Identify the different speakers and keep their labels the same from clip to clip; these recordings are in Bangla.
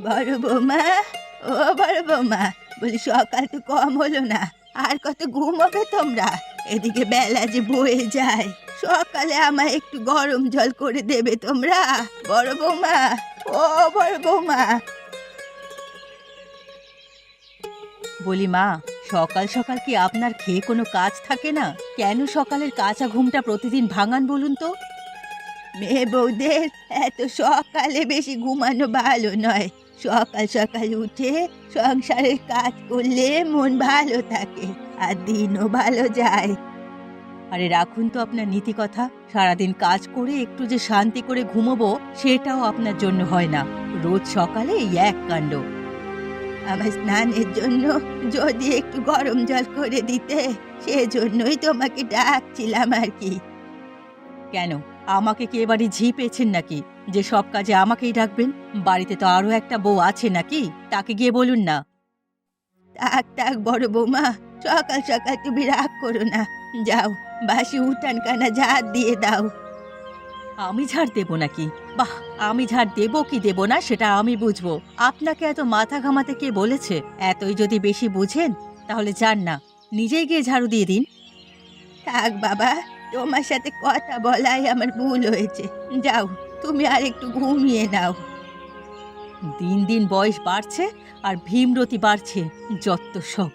Speaker 1: বড় বৌমা, ও বড় বৌমা, বলি সকাল তো কম হলো না, আর কত ঘুমাবে তোমরা? এদিকে বেলা যে বয়ে যায়, সকালে আমায় একটু গরম জল করে দেবে তোমরা? বড় বৌমা, ও বড় বৌমা। বলি মা, সকাল সকাল কি আপনার খেয়ে কোনো কাজ থাকে না? কেন সকালের কাঁচা ঘুমটা প্রতিদিন ভাঙান বলুন তো? মেয়ে বউদের এত সকালে বেশি ঘুমানো ভালো নয়। সকাল সকাল উঠে সংসারের কাজ করলে মন ভালো থাকে আর দিনও ভালো যায়। আরে রাখুন তো আপনার নীতি কথা। সারাদিন কাজ করে একটু যে শান্তি করে ঘুমোবো সেটাও আপনার জন্য হয় না। রোজ সকালে এই এক কাণ্ড। আমার স্নানের জন্য যদি একটু গরম জল করে দিতে, সেজন্যই তোমাকে ডাকছিলাম আর কি। কেন, আমাকে কি এবারে ঝি পেয়েছেন নাকি যে সব কাজে আমাকেই ডাকবেন? বাড়িতে তো আরো একটা বউ আছে নাকি, তাকে গিয়ে বলুন না। থাক থাক বড় বৌমা, সকাল সকাল তুমি রাগ করো না। যাও, বাসি উঠান কানা ঝাড় দিয়ে দাও। আমি ঝাড় দেবো নাকি? বাহ, আমি ঝাড় দেবো কি দেবো না সেটা আমি বুঝবো। আপনাকে এত মাথা ঘামাতে কে বলেছে? এতই যদি বেশি বুঝেন তাহলে যান না, নিজেই গিয়ে ঝাড়ু দিয়ে দিন। থাক বাবা, তোমার সাথে কথা বলাই আমার ভুল হয়েছে। যাও, তুমি আর একটু ঘুমিয়ে নাও। দিন দিন বয়স বাড়ছে আর ভীমরতি বাড়ছে, যত সব।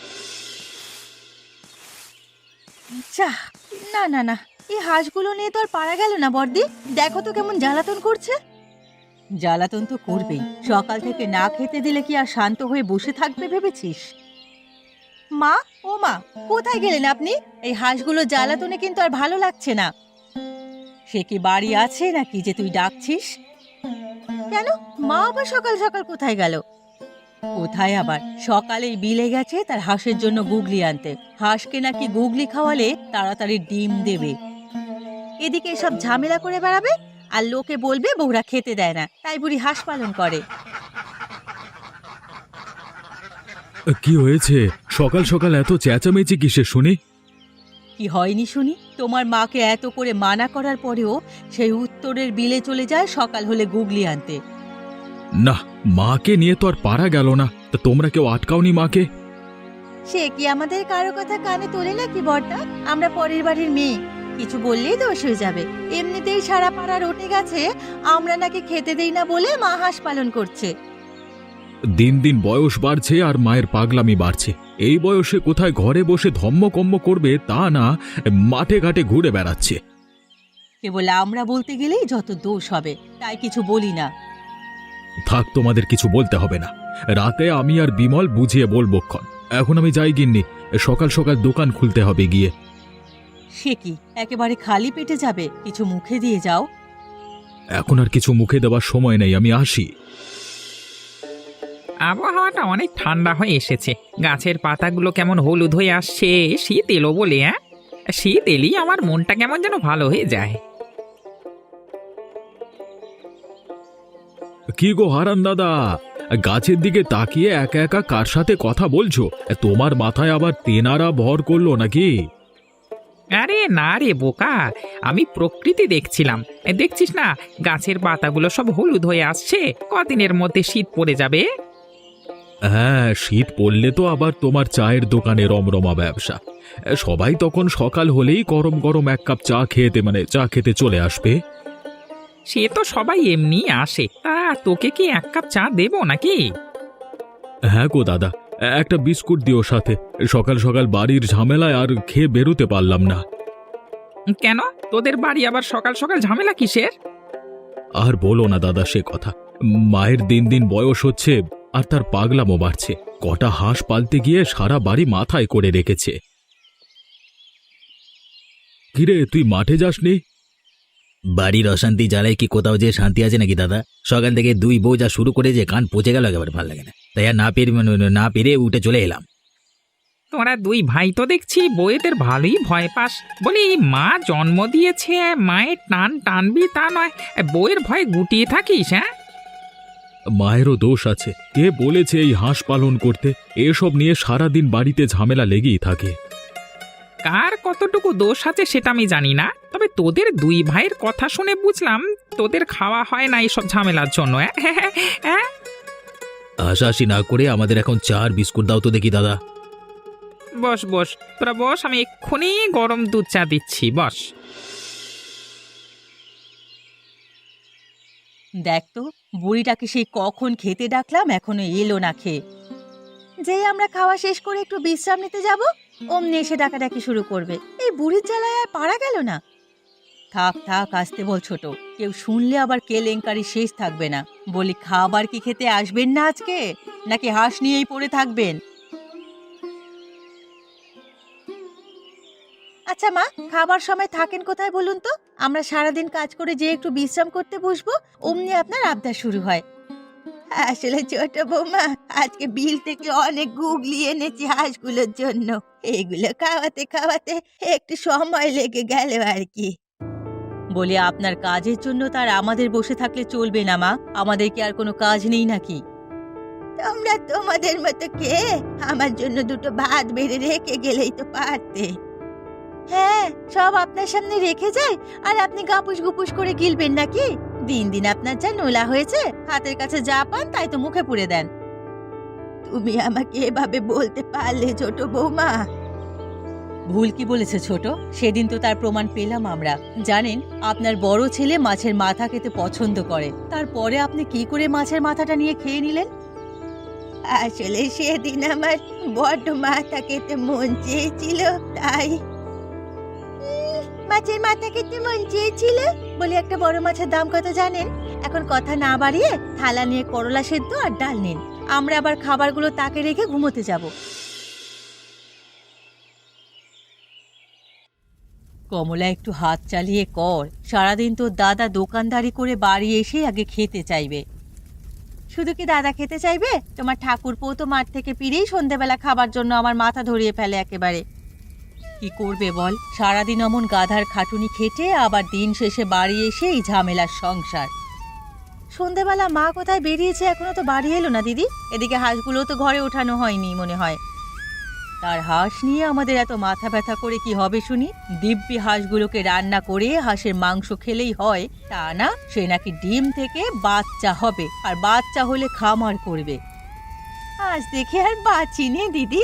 Speaker 1: যা, না না না, এই হাঁসগুলো নিয়ে তো আর পারা গেল না বর্দি। দেখো তো কেমন জ্বালাতন করছে। জ্বালাতন তো করবেই, সকাল থেকে না খেতে দিলে কি আর শান্ত হয়ে বসে থাকবে ভেবেছিস? মা, ও মা, কোথায় গেলেন আপনি? এই হাঁসগুলো জ্বালাতনে কিন্তু আর ভালো লাগছে না। সে কি বাড়ি আছে নাকি যে তুই ডাকছিস? কেন, মা আবার সকাল সকাল কোথায় গেল? কোথায় আবার, সকালেই বিলে গেছে তার হাঁসের জন্য গুগলি আনতে। হাঁসকে নাকি গুগলি খাওয়ালে তাড়াতাড়ি ডিম দেবে। এদিকে সব ঝামেলা করে বেড়াবে আর লোকে বলবে বউরা খেতে দেয় না, তাই বুড়ি হাঁস পালন করে।
Speaker 2: কি হয়েছে? সকাল সকাল এত চেঁচামেচি কিসের শুনি?
Speaker 1: কি হয়নি শুনি? তোমার মাকে এত করে মানা করার পরেও সেই উত্তরের বিলে চলে যায় সকাল হলে গুগলি আনতে।
Speaker 2: না, মাকে নিয়ে তো আর পারা গেল না। তা তোমরা কেউ আটকাওনি মাকে?
Speaker 1: সে কি আমাদের কারো কথা কানে তোলে নাকি বড়টা? আমরা পরের বাড়ির মেয়ে, কিছু বললেই দোষ হয়ে যাবে। এমনিতেই সারা পাড়া রটে গেছে আমরা নাকি খেতে দেই না বলে মা হাঁস পালন করছে।
Speaker 2: দিন দিন বয়স বাড়ছে আর মায়ের পাগলামি বাড়ছে। এই বয়সে কোথায় ঘরে বসে ধম্মকম্ম করবে তা না, মাঠে ঘাটে ঘুরে বেড়াচ্ছে।
Speaker 1: কেবল আমরা বলতে গেলেই যত দোষ হবে, তাই কিছু বলি না।
Speaker 2: থাক, তোমাদের কিছু বলতে হবে না। রাতে আমি আর বিমল বুঝিয়ে বলবক্ষণ। এখন আমি যাই গিন্নি, সকাল সকাল দোকান খুলতে হবে গিয়ে।
Speaker 1: সে কি, একেবারে খালি পেটে যাবে? কিছু মুখে দিয়ে যাও।
Speaker 2: এখন আর কিছু মুখে দেওয়ার সময় নেই, আমি আসি।
Speaker 3: আবহাওয়াটা অনেক ঠান্ডা হয়ে এসেছে, গাছের পাতাগুলো কেমন হলুদ হয়ে আসছে। শীত এলো বলে, হ্যাঁ, শীত এলেই আমার মনটা কেমন যেন ভালো হয়ে যায়।
Speaker 2: কি গো হারান দাদা, গাছের দিকে তাকিয়ে একা একা কার সাথে কথা বলছো? তোমার মাথায় আবার তেনারা ভর করলো নাকি?
Speaker 3: আরে না রে বোকা, আমি প্রকৃতি দেখছিলাম। দেখছিস না, গাছের পাতাগুলো সব হলুদ হয়ে আসছে। কদিনের মধ্যে শীত পড়ে যাবে।
Speaker 2: হ্যাঁ, শীত পড়লে তো আবার তোমার চায়ের দোকানে রমরমা ব্যবসা। সবাই তখন সকাল হলেই গরম গরম এক কাপ চা খেতে চলে আসবে।
Speaker 3: সে তো সবাই এমনি আসে, তা তোকে কি এক কাপ চা দেবো নাকি?
Speaker 2: হ্যাঁ গো দাদা, একটা বিস্কুট দিও সাথে। সকাল সকাল বাড়ির ঝামেলায় আর খেয়ে বেরোতে পারলাম না।
Speaker 3: কেন, তোদের বাড়ি আবার সকাল সকাল ঝামেলা কিসের?
Speaker 2: আর বলো না দাদা সে কথা। মায়ের দিন দিন বয়স হচ্ছে আর তার পাগলামো বাড়ছে। কটা হাঁস পালতে গিয়ে সারা বাড়ি মাথায় করে রেখেছে। কিরে, তুই মাঠে যাসনি?
Speaker 4: বাড়ির অশান্তি জ্বালায় কি কোথাও যে শান্তি আছে নাকি দাদা? সকাল থেকে দুই বউ যা শুরু করে যে কান পচে গেল, একেবারে ভালো লাগে না। তাই আর না পেরে উঠে চলে এলাম।
Speaker 3: তোরা দুই ভাই তো দেখছি বইয়েদের ভালোই ভয় পাস। বলি, মা জন্ম দিয়েছে, মায়ের টান টানবি তা নয়, বইয়ের ভয়ে গুটিয়ে থাকিস? হ্যাঁ,
Speaker 2: মায়েরও দোষ আছে। কে বলেছে এই হাঁস পালন করতে? এসব নিয়ে সারাদিন বাড়িতে ঝামেলা লেগেই থাকে।
Speaker 3: কার কতটুকু দোষ আছে সেটা আমি জানি না, তবে তোদের দুই ভাইয়ের কথা শুনে বুঝলাম তোদের খাওয়া হয় না এইসব ঝামেলার জন্য। হ্যাঁ,
Speaker 4: হাসাহাসি না করে আমাদের এখন চা আর বিস্কুট দাও তো দেখি দাদা।
Speaker 3: বস বস, তোরা বস, আমি এক্ষুনি গরম দুধ চা দিচ্ছি, বস।
Speaker 1: দেখ তো, বুড়িটাকে সেই কখন খেতে ডাকলাম, এখনো এলো না খেয়ে। যেই আমরা খাওয়া শেষ করে একটু বিশ্রাম নিতে যাব, অমনি এসে ডাকাডাকি শুরু করবে। এই বুড়ির জ্বালায় আর পারা গেল না। থাক থাক, আসতে বল ছোট, কেউ শুনলে আবার কেলেঙ্কারি শেষ থাকবে না। বলি, খাবার কি খেতে আসবেন না আজকে, নাকি হাঁস নিয়েই পড়ে থাকবেন? আচ্ছা মা, খাবার সময় থাকেন কোথায় বলুন তো? আমরা সারাদিন কাজ করে যে একটু বিশ্রাম করতে বসবো, অমনি আপনার আবদার শুরু হয়। আসলে ছোট বৌমা, আজকে বিল থেকে অনেক গুগলি এনেছি হাঁসগুলোর জন্য। এগুলো খাওয়াতে খাওয়াতে একটু সময় লেগে গেল আর কি। বলি, আপনার কাজের জন্য তার আমাদের বসে থাকলে চলবে না মা। আমাদের কি আর কোনো কাজ নেই নাকি? তোমরা তোমাদের মতো কে আমার জন্য দুটো ভাত বেড়ে রেখে গেলেই তো পারতে। হ্যাঁ, সব আপনার সামনে রেখে যায় আর আপনি গাপুস গুপুস করে গিলবেন নাকি? দিন দিন আপনার যা নোলা হয়েছে, হাতের কাছে যা পান তাই তো মুখে পুরে দেন। তুমি আমাকে এভাবে বলতে পারলে ছোট বৌমা? ভুল কি বলেছে ছোট? সেদিন তো তার প্রমাণ পেলাম আমরা। জানেন, আপনার বড় ছেলে মাছের মাথা খেতে পছন্দ করে, তারপরে আপনি কি করে মাছের মাথাটা নিয়ে খেয়ে নিলেন? আসলে সেদিন আমার বড্ড মাথা খেতে মন চেয়েছিল, তাই। মাছের মাথা খেতে মন চেয়েছিল বলে একটা বড় মাছের দাম কত জানেন? এখন কথা না বাড়িয়ে থালা নিয়ে করলা সেদ্ধ আর ডাল নিন। আমরা আবার খাবারগুলো তাকে রেখে ঘুমোতে যাব। কমলা, একটু হাত চালিয়ে কর। সারাদিন তো দাদা দোকানদারি করে বাড়ি এসে আগে খেতে চাইবে। শুধু কি দাদা খেতে চাইবে? তোমার ঠাকুরপো তো মাঠ থেকে ফিরেই সন্ধেবেলা খাবার জন্য আমার মাথা ধরিয়ে ফেলে একেবারে। কি করবে বল, সারাদিন অমন গাধার খাটুনি খেটে আবার দিন শেষে বাড়ি এসে এই ঝামেলার সংসার। সন্ধেবেলা মা কোথায় বেরিয়েছে, এখনো তো বাড়ি এলো না দিদি। এদিকে হাঁসগুলো তো ঘরে ওঠানো হয়নি মনে হয়। তার হাঁস নিয়ে আমাদের এত মাথা ব্যথা করে কি হবে শুনি? দিব্যি হাঁসগুলোকে রান্না করে হাঁসের মাংস খেলেই হয় তা না, সে নাকি ডিম থেকে বাচ্চা হবে, আর বাচ্চা হলে খামার করবে। আজ দেখে আর বাঁচিনি দিদি।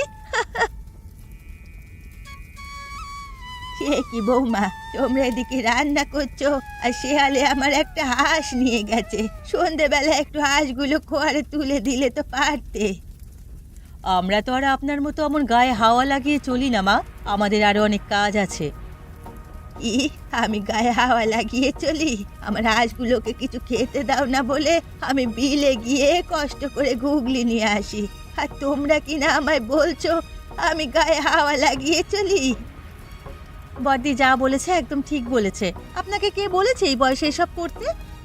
Speaker 1: সে কি বৌমা, তোমরা এদিকে রান্না করছো আর শেয়ালে আমার একটা হাঁস নিয়ে গেছে। সন্ধেবেলা একটু হাঁসগুলো খোয়ারে তুলে দিলে তো পারতে। আমরা তো আর আপনার মতো অমন গায়ে হাওয়া লাগিয়ে চলি না মা, আমাদের আরো অনেক কাজ আছে। কি, আমি গায়ে হাওয়া লাগিয়ে চলি? আমার হাঁসগুলোকে কিছু খেতে দাও না বলে আমি বিলে গিয়ে কষ্ট করে ঘুগলি নিয়ে আসি, আর তোমরা কিনা আমায় বলছো আমি গায়ে হাওয়া লাগিয়ে চলি? বড়দি যা বলেছে একদম ঠিক বলেছে। আপনাকে কে বলেছে এই বয়সে এসব করতে?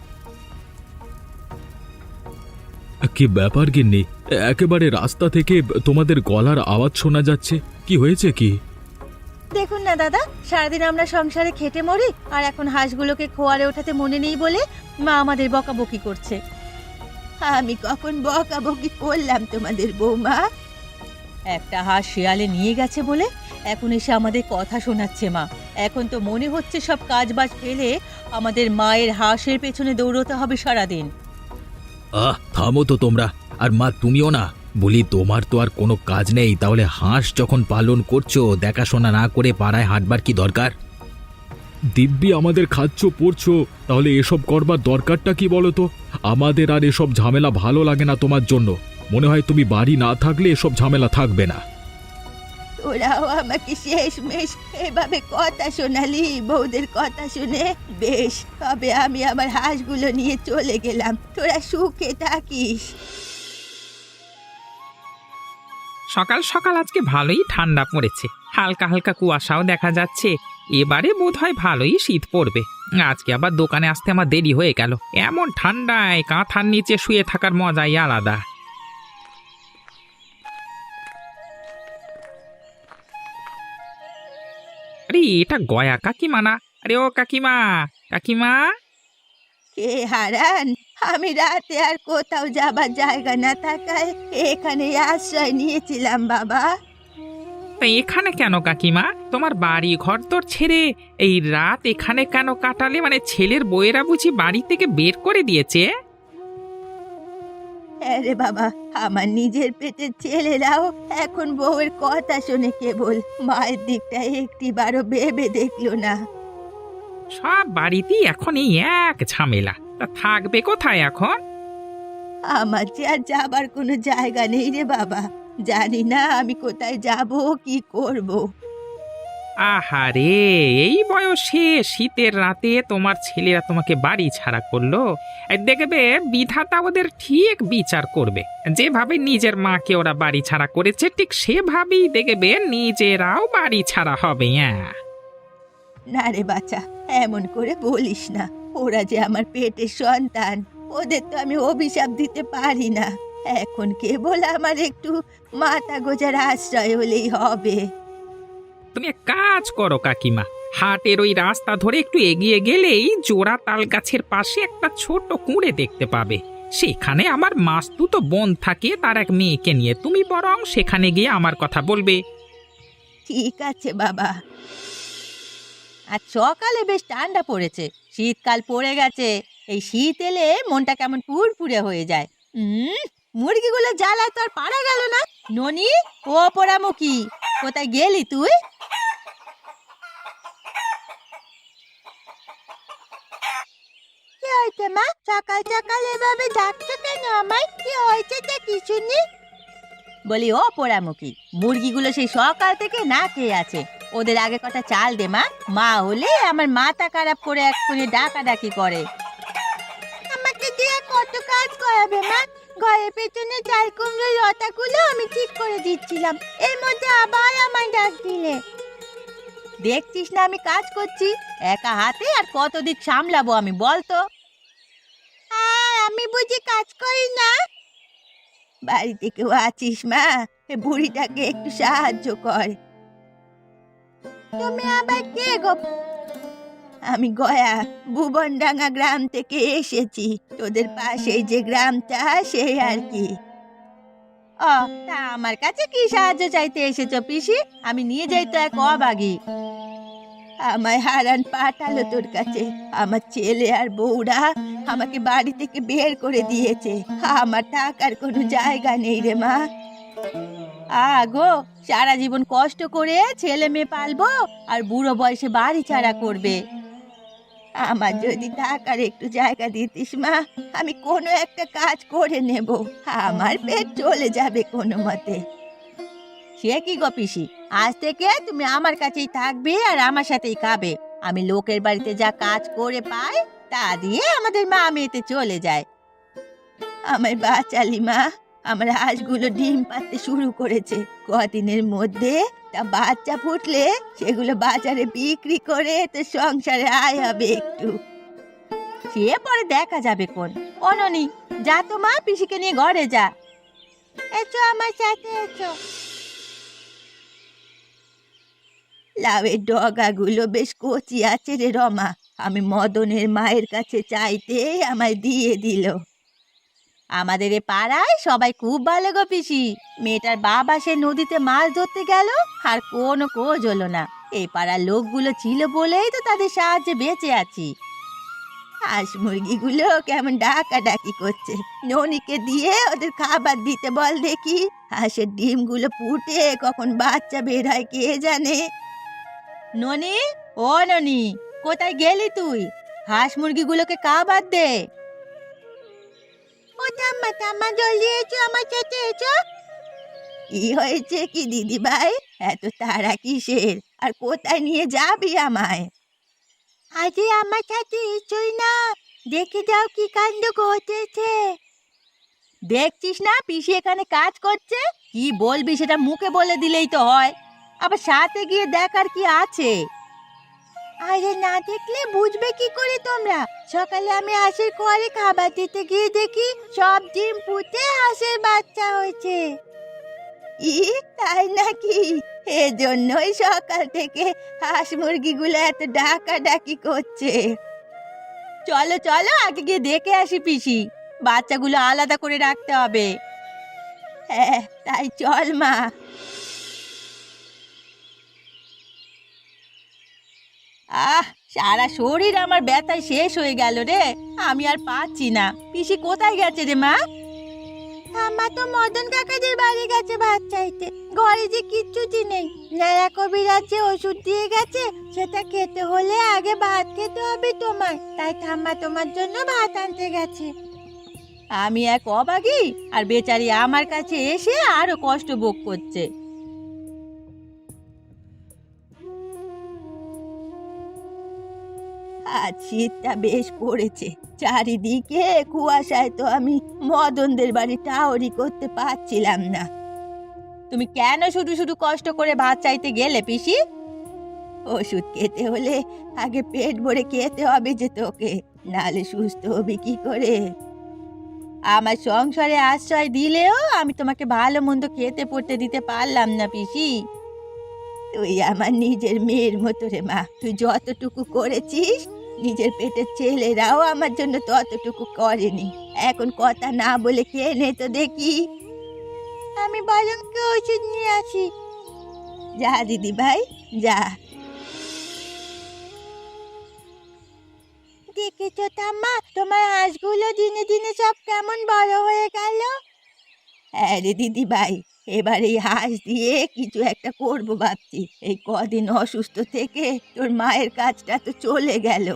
Speaker 2: কি ব্যাপার গিন্নি, একেবারে রাস্তা থেকে তোমাদের গলার আওয়াজ শোনা যাচ্ছে, কি হয়েছে কি?
Speaker 1: দেখুন না দাদা, সারাদিন আমরা সংসারে খেটে মরি, আর এখন হাঁসগুলোকে খোয়ারে ওঠাতে মনে নেই বলে মা আমাদের বকাবকি করছে। আমি কখন বকাবকি করলাম তোমাদের বৌমা? একটা হাঁস শেয়ালে নিয়ে গেছে বলে এখন এসে আমাদের কথা শোনাচ্ছে মা। এখন তো মনে হচ্ছে সব কাজবাজ ফেলে আমাদের মায়ের হাঁসের পেছনে দৌড়তে হবে সারাদিন।
Speaker 4: থামো তো তোমরা। আর মা, তুমিও না। বলি, তোমার তো আর কোনো কাজ নেই, তাহলে হাঁস যখন পালন করছো দেখাশোনা না করে পাড়ায় হাঁটবার কি দরকার?
Speaker 2: দিব্যি আমাদের খাচ্ছ পড়ছো, তাহলে এসব করবার দরকারটা কি বলো তো? আমাদের আর এসব ঝামেলা ভালো লাগে না তোমার জন্য। মনে হয় তুমি বাড়ি না থাকলে এসব ঝামেলা থাকবে না।
Speaker 1: তোরাও আমাকে শেষমেশ এভাবে কথা শোনালি। বউদের কথা শুনে বেশ, তবে আমি আমার হাঁসগুলো নিয়ে চলে গেলাম। তোরা সুখে থাকিস।
Speaker 3: সকাল সকাল আজকে ভালোই ঠান্ডা পড়েছে, হালকা হালকা কুয়াশাও দেখা যাচ্ছে। এবারে বোধহয় ভালোই শীত পড়বে। আজকে আবার দোকানে আসতে আমার দেরি হয়ে গেল। এমন ঠান্ডায় কাঁথার নিচে শুয়ে থাকার মজাই আলাদা। আরে এটা গয়া কাকিমা না? আরে ও কাকিমা, কাকিমা।
Speaker 1: কে হারান? আমি রাতে আর কোথাও যাবার জায়গা না থাকায় এখানে আশ্রয় নিয়েছিলাম বাবা।
Speaker 3: তা এখানে কেন কাকিমা? তোমার বাড়ি ঘর তোর ছেড়ে এই রাত এখানে কেন কাটালে? মানে ছেলের বউয়েরা বুঝি বাড়ি থেকে বের করে দিয়েছে?
Speaker 1: আরে বাবা, আমার নিজের পেটের ছেলেরাও এখন বউয়ের কথা শুনে কেবল মায়ের দিকটা একটিবারও ভেবে দেখলো না।
Speaker 3: সব বাড়িতেই এখন এই এক ঝামেলা, তা থাকবে কোথায় এখন?
Speaker 1: আমার যে আর যাবার কোনো জায়গা নেই রে বাবা। জানি না আমি কোথায় যাব, কি করব।
Speaker 3: আহারে, এই বয়সে শীতের রাতে তোমার ছেলেরা তোমাকে বাড়ি ছাড়া করলো। এই দেখবে বিধাতা ওদের ঠিক বিচার করবে। যেভাবে নিজের মাকে ওরা বাড়ি ছাড়া করেছে, ঠিক সেভাবেই দেখবে নিজেরাও বাড়ি ছাড়া হবে। হ্যাঁ,
Speaker 1: না রে বাচ্চা, এমন করে বলিস না। ওরা যে আমার পেটের সন্তান, ওদের তো আমি অভিশাপ দিতে পারি না। এখন কেবল আমার একটু মাথা গোজার আশ্রয় হলেই হবে।
Speaker 3: তুমি এক কাজ করো কাকিমা, হাটের ওই রাস্তা ধরে একটু এগিয়ে গেলেই জোড়া তাল গাছের পাশে একটা ছোট কুঁড়ে দেখতে পাবে। সেখানে আমার মাস্তুতো বোন থাকে, তার এক মেয়েকে নিয়ে। তুমি বরং সেখানে গিয়ে আমার কথা বলবে।
Speaker 1: ঠিক আছে বাবা। আর সকালে বেশ ঠান্ডা পড়েছে, শীতকাল পড়ে গেছে। এই শীত এলে মনটা কেমন পুরপুরে হয়ে যায়। মুরগিগুলো জ্বালায় তো আর পারা গেল না। ননি, ও পোড়ামুখী, কোথায় গেলি তুই? কি হয়েছে মা? সকাল সকাল এভাবে ডাকছো কেন আমায়? কি হয়েছে তা কিছু নেই। বলি ও পোড়ামুখী, মুরগিগুলো সেই সকাল থেকে না খেয়ে আছে। ওদের আগে কটা চাল দে মা। মা হলে আমার মাথা খারাপ করে এক্ষুনি ডাকাডাকি করে। আমাকে দিয়ে কত কাজ করাবে মা? ঘরের পেছনে চাল কুমড়োর লতাগুলো আমি ঠিক করে দিচ্ছিলাম, এর মধ্যে আবার আমায় ডাক দিলে। দেখছিস না আমি কাজ করছি, একা হাতে আর কত দিক সামলাবো আমি, বলতো? আমি বুঝি কাজ করি না? বাড়িতে কেউ আছিস মা? বুড়িটাকে একটু সাহায্য কর। তুমি আবার কে গো? আমি গয়া, ভুবনডাঙ্গা গ্রাম থেকে এসেছি। তোদের পাশেই যে গ্রামটা, সেই আর কি। ও, তা আমার কাছে কি সাহায্য চাইতে এসেছো পিসি? আমি নিয়ে যাই তো এক অবাগী। আমায় হারান পাঠালো তোর কাছে। আমার ছেলে আর বউরা আমাকে বাড়ি থেকে বের করে দিয়েছে। আমার টাকার কোনো জায়গা নেই রে মা। আগো, সারা জীবন কষ্ট করে ছেলে মেয়ে পালবো আর বুড়ো বয়সে বাড়ি ছাড়া করবে। আমার যদি টাকার একটু জায়গা দিতিস মা, আমি কোনো একটা কাজ করে নেব, আমার পেট চলে যাবে কোনো মতে। সে কি গো পিসি, আজ থেকে তুমি আমার কাছেই থাকবে আর আমার সাথেই খাবে। আমি লোকের বাড়িতে যা কাজ করে পাই তা দিয়ে আমাদের মা মেয়েতে চলে যায়। আমায় বাঁচালি মা। আমার হাঁসগুলো ডিম পাড়তে শুরু করেছে। কদিনের মধ্যে তা বাচ্চা ফুটলে সেগুলো বাজারে বিক্রি করে তো সংসারে আয় হবে একটু। সে পরে দেখা যাবে কোন। অননি, যা তো মা, পিসিকে নিয়ে ঘরে যা। এসো আমার সাথে এসো। লাউয়ের ডগাগুলো বেশ কচি আছে রে রমা। আমি মদনের মায়ের কাছে চাইতে আমায় দিয়ে দিল। আমাদের এ পাড়ায় সবাই খুব ভালো গো পিসি। মেয়েটার বাবা সে নদীতে মাছ ধরতে গেল, আর কোনো খোঁজ হলো না। এই পাড়ার লোকগুলো ছিল বলেই তো তাদের সাহায্যে বেঁচে আছি। হাঁস মুরগিগুলো কেমন ডাকাডাকি করছে। ননিকে দিয়ে ওদের খাবার দিতে বল দেখি। হাঁসের ডিমগুলো ফুটে কখন বাচ্চা বের হয় কে জানে। ননি, ও ননি, কোথায় গেলি তুই? হাঁস মুরগিগুলোকে খাবার দে। ও ঠাম্মা, ঠাম্মা জলদি এসো, আমার সাথে এসো। কি হয়েছে কি দিদি ভাই? এত তাড়া কিসের? আর কোথায় নিয়ে যাবি আমায়? আজে আমার সাথে এসোই না, দেখে যাও কি কাণ্ড ঘটেছে। দেখছিস না পিসি এখানে কাজ করছে? কি বলবি সেটা মুখে বলে দিলেই তো হয়, আবার সাথে গিয়ে দেখার কি আছে? আরে না দেখলে বুঝবে কি করে তোমরা? সকালে আমি হাঁসের ঘরে খাবার দিতে গিয়ে দেখি সব ডিম ফুটে হাঁসের বাচ্চা হয়েছে। তাই নাকি? এজন্যই সকাল থেকে হাঁস মুরগিগুলো এত ডাকাডাকি করছে। চলো চলো, আগে গিয়ে দেখে আসি পিসি। বাচ্চাগুলো আলাদা করে রাখতে হবে। হ্যাঁ, তাই চল মা। সারা শরীর আমার ব্যথায় শেষ হয়ে গেল রে। আমি আর পাচ্ছি না। পিসি কোথায় গেছে রে মা? ঠাম্মা তো মদন কাকাদের বাড়ি গেছে ভাত চাইতে। ঘরে যে কিচ্ছুটি নেই। নারা কবিরাজ যে ওষুধ দিয়ে গেছে সেটা খেতে হলে আগে ভাত খেতে হবে তোমার। তাই ঠাম্মা তোমার জন্য ভাত আনতে গেছে। আমি এক অবাগী, আর বেচারি আমার কাছে এসে আরো কষ্ট ভোগ করছে। আজ শীতটা বেশ পড়েছে। চারিদিকে কুয়াশায় তো আমি মদনদের বাড়ি টাওরি করতে পারছিলাম না। তুমি কেন শুধু শুধু কষ্ট করে ভাত চাইতে গেলে পিসি? ওষুধ খেতে হলে আগে পেট ভরে খেতে হবে যে তোকে, নালে সুস্থ হবি কি করে? আমার সংসারে আশ্রয় দিলেও আমি তোমাকে ভালো মন্দ খেতে পড়তে দিতে পারলাম না পিসি। তুই আমার নিজের মেয়ের মতো রে মা। তুই যতটুকু করেছিস নিজের পেটের ছেলেরাও আমার জন্য ততটুকু করেনি। এখন কথা না বলে খেয়ে নে তো দেখি। আমি বরং ওষুধ নিয়ে আসি। যা দিদি ভাই যা। দেখেছো ঠাম্মা, তোমার হাঁসগুলো দিনে দিনে সব কেমন বড় হয়ে গেল। হ্যাঁ রে দিদি ভাই, এবার এই হাঁস দিয়ে কিছু একটা করব ভাবছি। এই কদিন অসুস্থ থেকে তোর মায়ের কাজটা তো চলে গেল।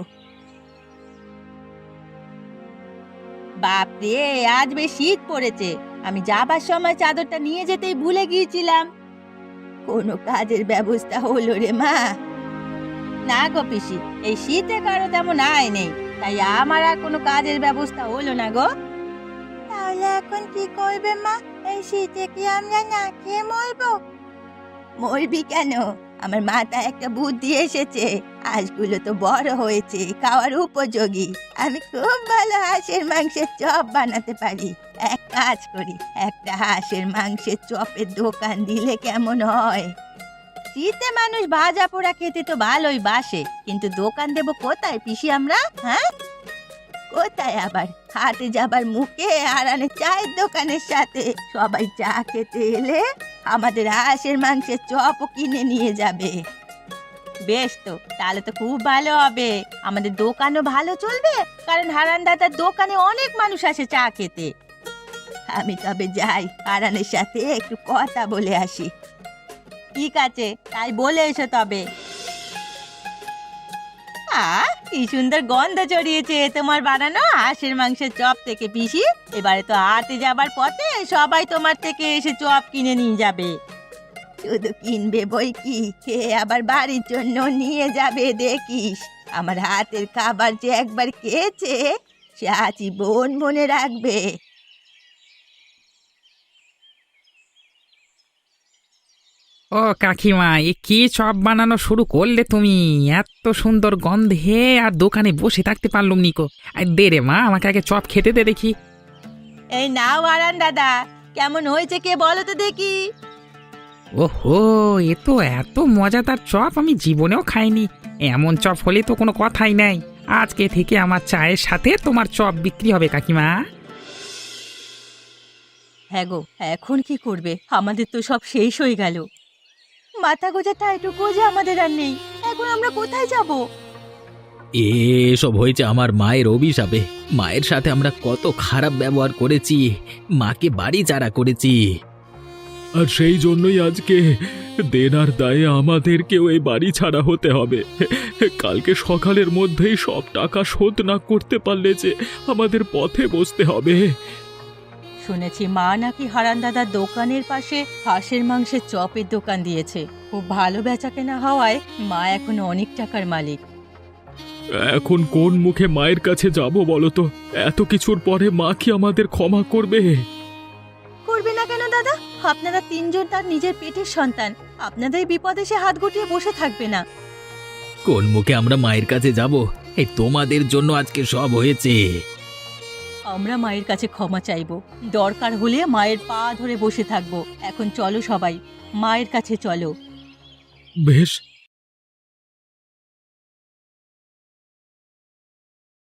Speaker 1: বাপরে, আজ বেশ শীত পড়েছে। আমি যাবার সময় চাদরটা নিয়ে যেতেই ভুলে গিয়েছিলাম। কোনো কাজের ব্যবস্থা হলো রে মা? না গো পিসি, এই শীতে কারো তেমন আয় নেই, তাই আমার আর কোনো কাজের ব্যবস্থা হলো না গো। তাহলে এখন কি করবে মা? এই শীতে কি আমরা না খেয়ে মরবো? মরবি কেন? আমার মাথায় একটা বুদ্ধি এসেছে। হাঁসগুলো তো বড় হয়েছে, খাওয়ার উপযোগী। আমি খুব ভালো হাঁসের মাংসের চপ বানাতে পারি। এক কাজ করি, একটা হাঁসের মাংসের চপের দোকান দিলে কেমন হয়? শীতে মানুষ ভাজা পোড়া খেতে তো ভালোই বাসে, কিন্তু দোকান দেব কোথায় পিসি আমরা? হ্যাঁ, কোথায় আবার? হাটে যাবার মুখে আরানে চায়ের দোকানের সাথে সবাই চা খেতে এলে আমাদের হাঁসের মাংসের চপও কিনে নিয়ে যাবে। বেশ তো, তাহলে তো খুব ভালো হবে। আমাদের দোকানও ভালো চলবে, কারণ হারান দাদার দোকানে অনেক মানুষ আসে চা খেতে। আমি তবে যাই, হারানের সাথে একটু কথা বলে আসি। ঠিক আছে, তাই বলে এসো তবে। কি সুন্দর গন্ধ ছড়িয়েছে তোমার বানানো হাঁসের মাংসের চপ থেকে পিসি। এবারে তো হাটে যাবার পথে সবাই তোমার থেকে এসে চপ কিনে নিয়ে যাবে। শুধু কিনবে বই কি, খেয়ে আবার বাড়ির জন্য নিয়ে যাবে দেখিস। আমার হাতের খাবার যে একবার খেয়েছে সে আজীবন মনে রাখবে।
Speaker 3: ও কাকিমা, এ কি চপ বানানো শুরু করলে তুমি? এত সুন্দর গন্ধে আর দোকানে বসে থাকতে পারলুম নিকো। আর দে রে মা, আমাকে আগে চপ খেতে দে দেখি।
Speaker 1: এই নাও আরান দাদা, কেমন হয়েছে কে বলো তো দেখি।
Speaker 3: ওহো, এ তো এত মজাদার চপ আমি জীবনেও খাইনি। এমন চপ হলে তো কোনো কথাই নাই। আজকে থেকে আমার চায়ের সাথে তোমার চপ বিক্রি হবে কাকিমা।
Speaker 1: হ্যাঁ গো, এখন কি করবে? আমাদের তো সব শেষ হয়ে গেল। মাথা গোজাটা এটুকু যে আমাদের আর নেই। এখন আমরা কোথায় যাব?
Speaker 4: এসব হয়েছে আমার মায়ের অভিশাপে। মায়ের সাথে আমরা কত খারাপ ব্যবহার করেছি, মাকে বাড়ি ছাড়া করেছি।
Speaker 2: আর সেই জন্যই আজকে দেনার দায়ে আমাদেরকেও এই বাড়ি ছাড়া হতে হবে। কালকে সকালের মধ্যেই সব টাকা শোধ না করতে পারলে যে আমাদের পথে বসতে হবে।
Speaker 1: শুনেছি মা নাকি হারান দাদার দোকানের পাশে হাঁসের মাংসের চপের দোকান দিয়েছে। খুব ভালো বেচা কেনা হওয়ায় মা এখন অনেক টাকার মালিক।
Speaker 2: এখন কোন মুখে মায়ের কাছে যাব বলো তো? এত কিছুর পরে মা কি আমাদের ক্ষমা করবে?
Speaker 1: করবে না কেন দাদা? আপনারা তিনজন তার নিজের পেটের সন্তান। আপনাদের বিপদে সে হাত গুটিয়ে বসে থাকবে না।
Speaker 4: কোন মুখে আমরা মায়ের কাছে যাব? এই তোমাদের জন্য আজকে সব হয়েছে।
Speaker 1: আমরা মায়ের কাছে ক্ষমা চাইব, দরকার হলে মায়ের পা ধরে বসে থাকবো। এখন চলো সবাই, মায়ের কাছে চলো।
Speaker 2: বেশ,